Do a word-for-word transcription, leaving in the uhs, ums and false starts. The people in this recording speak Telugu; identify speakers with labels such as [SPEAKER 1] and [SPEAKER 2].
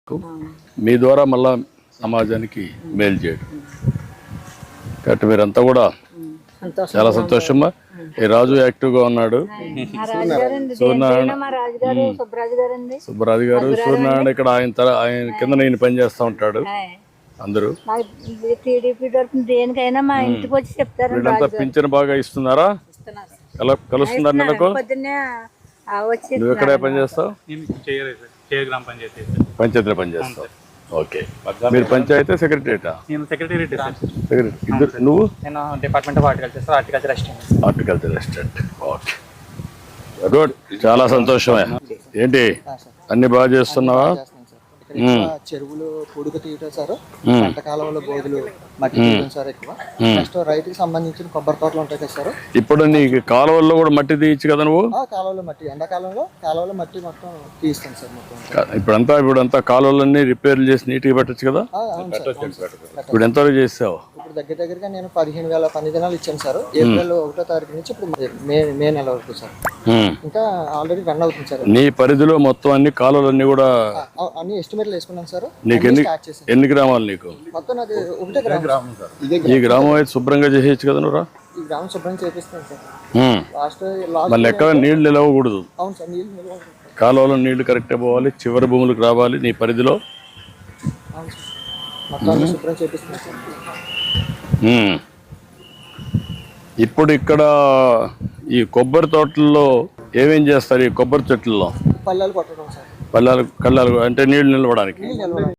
[SPEAKER 1] మీ ద్వారా మళ్ళా సమాజానికి మేలు చేయడం కాబట్టి మీరంతా కూడా చాలా సంతోషమా. ఈ రాజు యాక్టివ్గా ఉన్నాడు. సూర్యనారాయణ సుబ్బరాజు గారు సూర్యనారాయణ ఇక్కడ ఆయన తర ఆయన కింద నేను పని చేస్తూ ఉంటాడు. అందరూ వీళ్ళంతా పింఛన్ బాగా ఇస్తున్నారా? కలుస్తున్నారు నెలకు? నువ్వు ఎక్కడ పని చేస్తావు? పంచాయతీలో పని చేస్తావు. ఓకే. మీరు పంచాయతీ సెక్రటరీటా?
[SPEAKER 2] నేను సెక్రటరీ.
[SPEAKER 1] ఇద్దరు నువ్వు?
[SPEAKER 2] నేను department of horticulture horticulture assistant.
[SPEAKER 1] Horticulture assistant. Okay, good. చాలా సంతోషమే. ఏంటి అన్ని బాగా చేస్తున్నావా?
[SPEAKER 3] చెరువులు పొడుగు తీయటం సార్, పంట కాలంలో బోధులు మట్టి తీయడం సార్ ఎక్కువ. నెక్స్ట్ రైతుకి సంబంధించిన కొబ్బరి తోటలు ఉంటాయి కదా సార్.
[SPEAKER 1] ఇప్పుడు నీకు కాలువల్లో కూడా మట్టి తీయచ్చు కదా నువ్వు?
[SPEAKER 3] కాలువలో మట్టి ఎండాకాలంలో కాలువలో మట్టి మొత్తం తీస్తాను సార్ మొత్తం.
[SPEAKER 1] ఇప్పుడంతా ఇప్పుడంతా కాలువలన్నీ రిపేర్లు చేసి నీట్గా పెట్టచ్చు కదా? ఇప్పుడు ఎంతవరకు చేసావు?
[SPEAKER 3] ఇప్పుడు దగ్గర దగ్గరగా నేను పదిహేను వేల పని దినాలు ఇచ్చాను సార్. ఏప్రిల్ ఒకటో తారీఖు నుంచి ఇప్పుడు మే మే నెల వరకు సార్. ఇంకా ఆల్రెడీ రన్ అవుతుంది సార్.
[SPEAKER 1] నీ పరిధిలో మొత్తం అన్ని కాలువలన్నీ కూడా
[SPEAKER 3] అన్ని ఎస్టిమేట్లు వేసుకున్నాను సార్.
[SPEAKER 1] నీకు ఎన్ని ఎన్ని గ్రామాలు నీకు?
[SPEAKER 3] మొత్తం అది ఒకటే గ్రామం.
[SPEAKER 1] ఈ గ్రామం అయితే శుభ్రంగా చేసేయచ్చు కదా నువ్వు?
[SPEAKER 3] ఈ గ్రామం శుభ్రం చేపిస్తాను సార్. లాస్ట్
[SPEAKER 1] మళ్ళీ ఎక్కడ నీళ్లు నిలవకూడదు.
[SPEAKER 3] అవును సార్, నీళ్ళు నిలవ
[SPEAKER 1] కాలువలో నీళ్లు కరెక్ట్గా పోవాలి, చివరి భూములకు రావాలి నీ పరిధిలో.
[SPEAKER 3] అవును సార్, మొత్తం శుభ్రం చేపిస్తాను సార్.
[SPEAKER 1] ఇప్పుడు ఇక్కడ ఈ కొబ్బరి తోటల్లో ఏమేం చేస్తారు? ఈ కొబ్బరి చెట్లలో
[SPEAKER 3] పల్లెలు కొట్టడం సార్.
[SPEAKER 1] పల్లాలు కళ్ళాలు అంటే నీళ్లు నిలవడానికి.